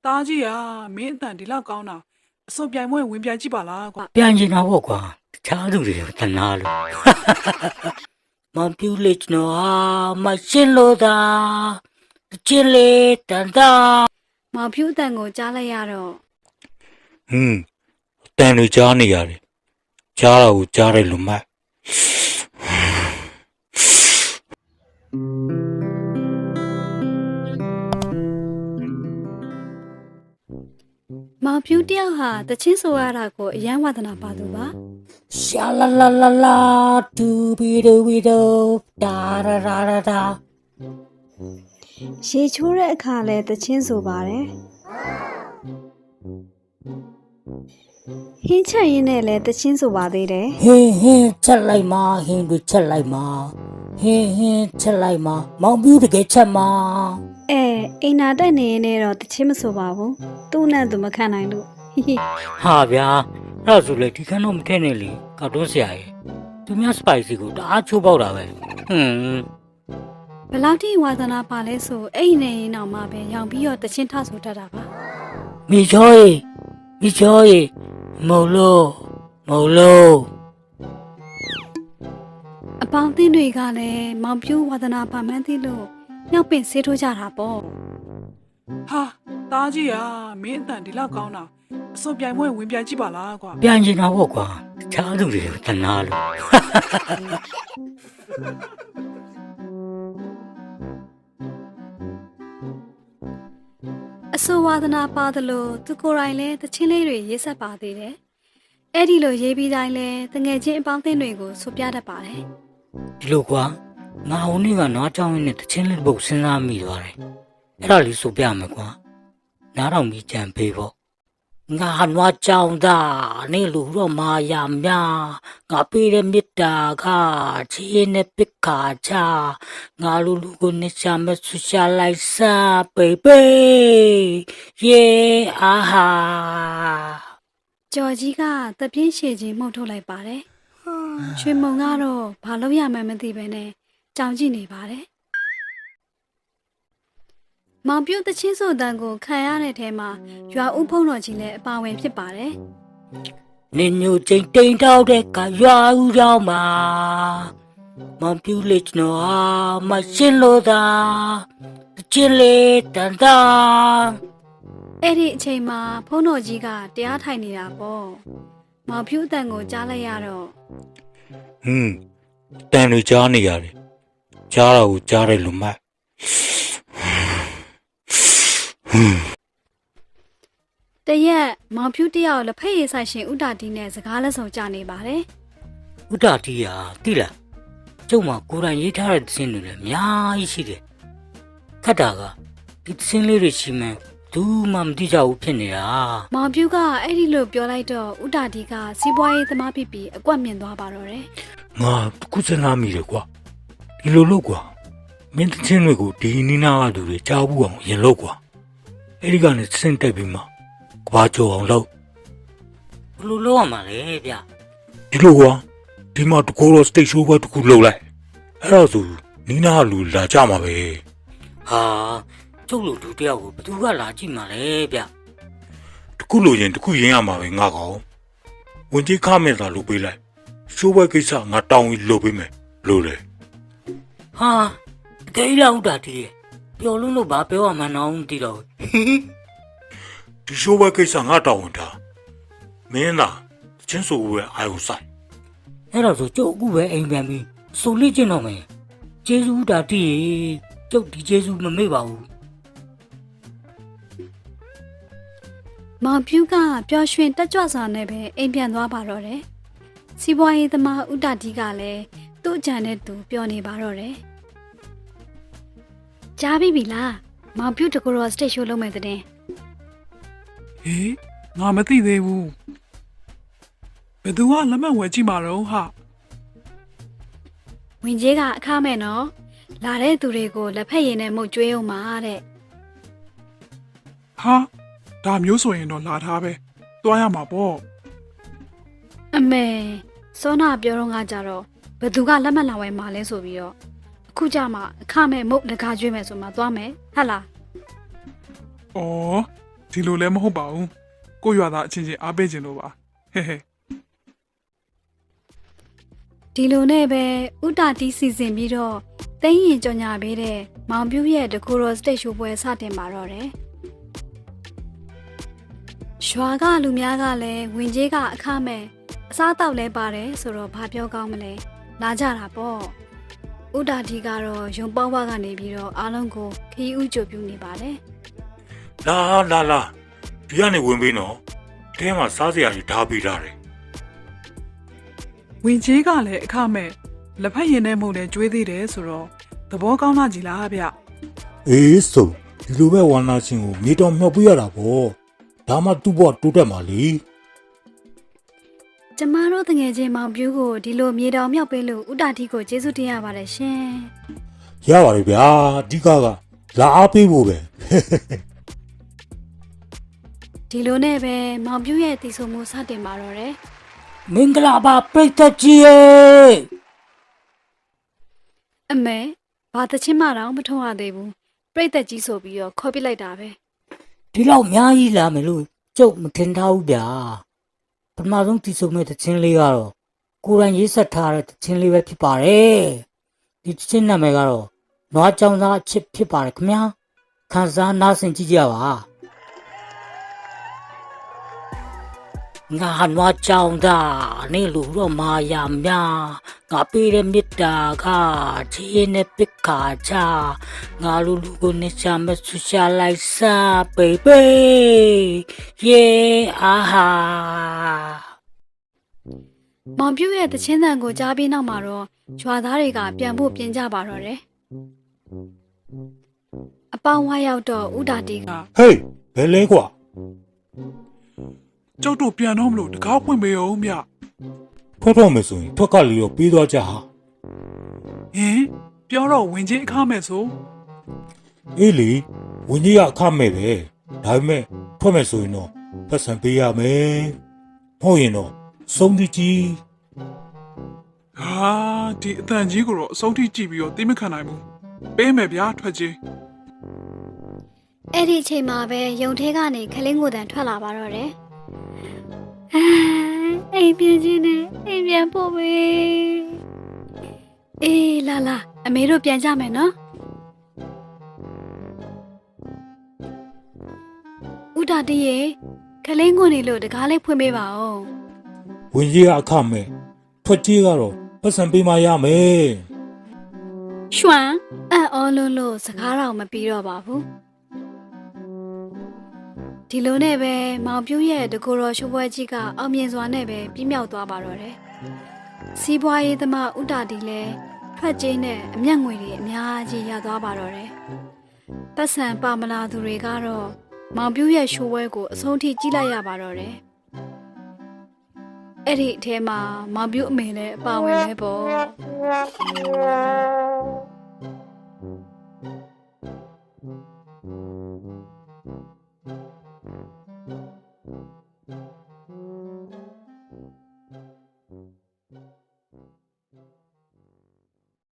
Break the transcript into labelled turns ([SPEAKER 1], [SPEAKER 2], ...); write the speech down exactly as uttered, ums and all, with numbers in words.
[SPEAKER 1] တားကြီးอ่ะမင်းအတန်ဒီလောက်ကောင်းတာအစုံပြိုင်ပွဲဝင်ပြိုင်ကြည့်ပါလားကွာ
[SPEAKER 2] ပြန်ကျင်တော့ပေါ့ကွာတခြားသူတွေတနာလို့မပြူလိချနောမရှင်းလို့သာကျင်းလေတန်တာ
[SPEAKER 3] မောင်ဖြူအတန်ကိုကြားလိုက်ရတော့
[SPEAKER 2] ဟွန်းတန်တွေကြားနေရတယ်ကြားတာကိုကြားတယ်လို့မှတ်
[SPEAKER 3] မောင်ဖြူတယောက်ဟာတချင်းဆိုရတာကိုအယံဝဒနာပါသူပါ
[SPEAKER 2] ရှာလာလာလာလာဒူဘီဒူဘီဒူဒါရာရာရာဒါ
[SPEAKER 3] ရေချိုးတဲ့အခါလဲတချင်းဆိုပါတယ်ဟင်းချက်ရင်းနဲ့လဲတချင်းဆိုပါသေးတယ်
[SPEAKER 2] ဟင်းဟင်းချက်လိုက်မှာဟင်းတွေချက်လိုက်မှာဟင်းဟင်းချက်လိုက်မှာမောင်ပြူတကယ်ချက်မှာ
[SPEAKER 3] အဲအိမ်နာတက်နေရင်တော့တချင်းမဆိုပါဘူးသူ့နဲ့သူမခံနိုင်လို့
[SPEAKER 2] ဟာဗျာအဲ့ဒါဆိုလေဒီခန်းတော့မထည့်နဲ့လေကောက်တွန်းဆရာကြီးသူများစပိုက်စီကိုတအားချိုးပေါက်တာပဲဟွန်း
[SPEAKER 3] ဘယ်လောက်ထိဝါသနာပါလဲဆိုအဲ့ဒီနေရင်တော့မှပဲရောင်ပြီးတော့တချင်းထဆိုတတ်တာပါ
[SPEAKER 2] မိချောရေမိချောရေမုံလို့မုံလို့
[SPEAKER 3] အပေါင်းအသင်းတွေကလည်းမောင်ပြူဝါသနာပါမှန်းသိလို့ညောက်ပင်ဆေးထိုးကြတာပေါ့
[SPEAKER 1] ဟာတားကြီးอ่ะမင်းအတန်ဒီလောက်ကောင်းတာအစုံပြိုင်ပွဲဝင်ပြိုင်ကြည့်ပါလားကွာ
[SPEAKER 2] ပြန်ကျင်တော့ပေါ့ကွာတခြားသူတွေတနာလို့
[SPEAKER 3] အဆိုဝါသနာပါသလိုသူကိုယ်တိုင်လည်းတချင်းလေးတွေရေးဆက်ပါသေးတယ်။အဲ့ဒီလိုရေးပြီးတိုင်းလည်းတငယ်ချင်းအပေါင်းအသင်းတွေကိုဆိုပြတတ်ပါတယ်
[SPEAKER 2] ။ဒီလိုကွာငါဟိုနေ့ကနားကြောင်းရင်းနဲ့တချင်းလေးပုတ်စဉ်းစားမိသွားတယ်။အဲ့ဒါလေးဆိုပြမယ်ကွာ။နားတော်မီကြံပေးဖို့ငါနွားကြောင်သားနေလူတော့မာယာများငါပေးတဲ့မေတ္တာကချီးနဲ့ပစ်ခါချငါလူလူကိုနေချမဆူရှာလိုက်စားပေပေယေအာဟာ
[SPEAKER 3] ကျော်ကြီးကတပြင်းရှည်ချင်းမှုတ်ထုတ်လိုက်ပါတယ်ရွှေမုံကတော့ဘာလို့ရမှန်းမသိပဲနဲ့ကြောင်ကြည့်နေပါတယ်မောင်ပြုတ်တချင်းဆိုတန်ကိုခံရတဲ့ထဲမှာရွာဦးဖုံးတော်ကြီးလည်းအပါဝင်ဖြစ်ပါတယ်
[SPEAKER 2] ။နင်ညိုချင်းတိန်တောက်တဲ့ကရွာဦးရောက်မှာမောင်ပြုတ်လိချနောမရှင်းလို့သာကျင်းလေတန်တာ
[SPEAKER 3] အဲ့ဒီအချိန်မှာဖုံးတော်ကြီးကတရားထိုင်နေတာပေါ့မောင်ပြုတ်တန်ကိုကြားလိုက်ရတော့
[SPEAKER 2] ဟွန်းတန်တွေကြားနေရတယ်ကြားတာကိုကြားတယ်လို့မှတ်
[SPEAKER 3] တရက်မောင်ဖြူတယောက်လက်ဖက်ရည်ဆိုင်ရှင်ဥတာတီနဲ့စကားလက်ဆောင်ကြနေပါတယ်
[SPEAKER 2] ဥတာတီဟာတိလားကျုပ်မှာကိုယ်တိုင်ရေးထားတဲ့သင်းတွေလည်းအများကြီးရှိတယ်ခတ်တာကဒီသင်းလေးတွေရှိမှန်းဘူးမှမသိကြဘူးဖြစ်နေတာ
[SPEAKER 3] မောင်ဖြူကအဲ့ဒီလိုပြောလိုက်တော့ဥတာတီကစီးပွားရေးသမားဖြစ်ပြီးအကွက်မြင်သွားပါတော့တယ်
[SPEAKER 2] ငါခုစနာမိတယ်ကွာဒီလိုလို့ကွာမင်းသင်းတွေကိုဒီနီနာကသူတွေကြားဘူးအောင်ရင်လို့ကွာအဲ့ဒီကနေစင်တက်ပြီးမှကဘာကြောအောင်လို့ဘယ်လိုလုပ်ရမှာလဲဗျဒီလိုကွာဒီမှာတကူတော့ state show ဘက်တကူလုပ်လိုက်အဲ့တော့ဆိုနီနာလူလာကြမှာပဲဟာကျုပ်လူတူတယောက်ကိုဘယ်သူကလာကြည့်မှာလဲဗျတကူလို့ရင်တကူရင်းရမှာပဲငါကောင်ဝင်ကြီးခမဲ့သာလုပ်ပေးလိုက် show ဘက်ကိစ္စငါတောင်းပြီးလုပ်ပေးမယ်လို့လေဟာတကယ်လောက်တာတည်းပျော်လုံးလို့ဘာပြောရမှန်းတော့မသိတော့ဒီရှိုးဘကိစ္စငါတောင်းဝန်တာမင်းသာချင်းဆိုဝဲအာယုဆိုင်အဲ့တော့ဆိုကျုပ်အခုပဲအိမ်ပြန်ပြီးဆိုလိကျင်တော့မယ်ကျေးဇူးတာတည်းကျုပ်ဒီကျေးဇူးမမေ့ပါဘူး
[SPEAKER 3] မောင်ဖြူကပျော်ရွှင်တက်ကြွစွာနဲ့ပဲအိမ်ပြန်သွားပါတော့တယ်စီးပွားရေးသမားဥတာတီကလည်းသူ့အကြံနဲ့သူပြောနေပါတော့တယ်ကြားပြီပြီလားမောင်ဖြူတကူတော့စတိတ်ရှိုးလုပ်မယ်တဲ့
[SPEAKER 1] ဟေးငါမသိသေးဘူးဘယ်သူကလက်မှတ်ဝယ်ကြည့်မှာတော့ဟာ
[SPEAKER 3] ဝင်ကြီးကအခမဲ့နော်လာတဲ့သူတွေကိုလက်ဖက်ရည်နဲ့မှုတ်ကျွေးအောင်ပါတဲ့
[SPEAKER 1] ဟာဒါမျိုးဆိုရင်တော့လာထားပဲသွားရမှာပေါ့
[SPEAKER 3] အမေစောနာပြောတော့ငါကြတော့ဘယ်သူကလက်မှတ်လာဝယ်မှာလဲဆိုပြီးတော့အခုကြမှာအခမဲ့မုတ်လကားကျွေးမယ်ဆိုမှသွားမယ်ဟဟလား
[SPEAKER 1] ဩဒီလိုလည်းမဟုတ်ပါဘူးကိုရွာသားအချင်းချင်းအားပေးခြင်းလို့ပါဟဲဟဲ
[SPEAKER 3] ဒီလိုနဲ့ပဲဥတာတီးစီစဉ်ပြီးတော့တင်းရင်ကြော်ညာပေးတဲ့မောင်ပြူရဲ့ဒကိုရောစတိတ်ရှိုးပွဲစတင်ပါတော့တယ်ရွာကလူများကလည်းဝင်ကြီးကအခမဲ့အစားတောက်လဲပါတယ်ဆိုတော့ဘာပြောကောင်းမလဲလာကြတာပေါ့ဥတာတီကတော့ရုံပေါင်းဝကနေပြီးတော့အားလုံးကိုခီးဥကြိုပြူနေပါတယ်
[SPEAKER 2] လာလာလာဒီကနေဝင်ပြီးနော်တဲမှာစားစရာကြီးဓာပေးထားတယ်
[SPEAKER 1] ဝင်ကြီးကလည်းအခမဲ့လက်ဖက်ရည်နဲ့မဟုတ်တဲ့ကျွေးသေးတယ်ဆိုတော့သဘောကောင်းလာကြည်လားဗျ
[SPEAKER 2] အေးဆိုဒီလိုပဲဝါနာချင်းကိုမြေတော်မြောက်ပြရတာပေါ့ဒါမှသူ့ဘဝတိုးတက်မှာလေ
[SPEAKER 3] ကျမတို့တငယ်ချင်းမောင်ပြူကိုဒီလိုမြေတောင်မြောက်ပေးလို့ဥတာတီကိုကျေးဇူးတင်ရပါတယ်ရှင်
[SPEAKER 2] ရပါတယ်ဗျာအဓိကကလာအားပေးဖို့ပဲ
[SPEAKER 3] ဒီလိုနဲ့ပဲမောင်ပြူရဲ့တည်ဆုံမှုစတင်ပါတော့တယ်
[SPEAKER 2] မင်္ဂလာပါပြိတ္တကြီးရေ
[SPEAKER 3] အမေဘာတချင်းမတော့မထုံးရသေးဘူးပြိတ္တကြီးဆိုပြီးတော့ခေါ်ပြလိုက်တာပဲ
[SPEAKER 4] ဒီလောက်အများကြီးလာမယ်လို့ကျုပ်မထင်ထားဘူးဗျာပထမဆုံးတည်ဆုံမဲ့တခြင်းလေးကတော့ကိုယ်တိုင်ရေးဆက်ထားတဲ့တခြင်းလေးပဲဖြစ်ပါတယ်ဒီတခြင်းနာမည်ကတော့နွားကြောင်သားအချစ်ဖြစ်ပါတယ်ခင်ဗျာခန်းစားနားဆင်ကြည့်ကြပါငါနွားကြောင်သားနေလို့တော့မာယာများငါပေးတဲ့မေတ္တာကချီးနဲ့ပစ်ခါချငါလူလူကိုနေချမဆူရှာလိုက်စားဘေဘေယေအာဟာ
[SPEAKER 3] မောင်ပြူရဲ့တချင်းတန်ကိုကြားပြီးနောက်မှာတော့ရွာသားတွေကပြန်ဖို့ပြင်ကြပါတော့တယ်အပေါင်းဝါရောက်တော့ဥတာတီက
[SPEAKER 2] ဟေးဘယ်လဲကွာ
[SPEAKER 1] ကျုပ်တို့ပြန်တော့မလို့တကားဖွင့်ပေးအောင်ဗျ
[SPEAKER 2] ထွက်တော့မယ်ဆိုရင်ထွက်ကလေးတော့ပြီးသွားကြဟာ
[SPEAKER 1] ဟင်ပြောတော့ဝင်ကြီးအခမဲ့ဆို
[SPEAKER 2] အေးလေဝင်းကြီးကအခမဲ့ပဲဒါပေမဲ့ထွက်မယ်ဆိုရင်တော့ပတ်စံပေးရမယ်မဟုတ်ရင်တော့စုံးကြီးကြီး
[SPEAKER 1] ဟာဒီအတန်ကြီးကိုတော့အဆုံးထိကြည့်ပြီးတော့သိမခံနိုင်ဘူးပေးမယ်ဗျာထွက်ကြီး
[SPEAKER 3] အဲ့ဒီအချိန်မှာပဲယုံထဲကနေခလင်းကိုတန်ထွက်လာပါတော့တယ်အိမ်ပြန်ချင်းနဲ့အိမ်ပြန်ဖို့ပဲအေးလာလာအမေတို့ပြန်ကြမယ်နော်ဥတာတီရေခလင်းကိုနေလို့တကားလေးဖွင့်ပေးပါဦး
[SPEAKER 2] ဝင်းကြီးကအခမဲ့ထွက်ကြီးကတော့ပတ်စံပေးမှရမယ်
[SPEAKER 3] ရွှမ်အံ့ဩလို့လို့စကားတော့မပြီးတော့ပါဘူးဒီလိုနဲ့ပဲမောင်ပြူးရဲ့တကူတော်ရှိုးပွဲကြီးကအောင်မြင်စွာနဲ့ပဲပြီးမြောက်သွားပါတော့တယ်စီးပွားရေးသမားဥတာတီလည်းထွက်ကျင်းနဲ့အမျက်ငွေတွေအများကြီးရသွားပါတော့တယ်ပတ်စံပါမလာသူတွေကတော့မောင်ပြူးရဲ့ရှိုးပွဲကိုအဆုံးထိကြည့်လိုက်ရပါတော့တယ်အဲ့ဒီအထဲမှာမောင်ပြူးအမေလည်းအပါဝင်ပဲပေါ့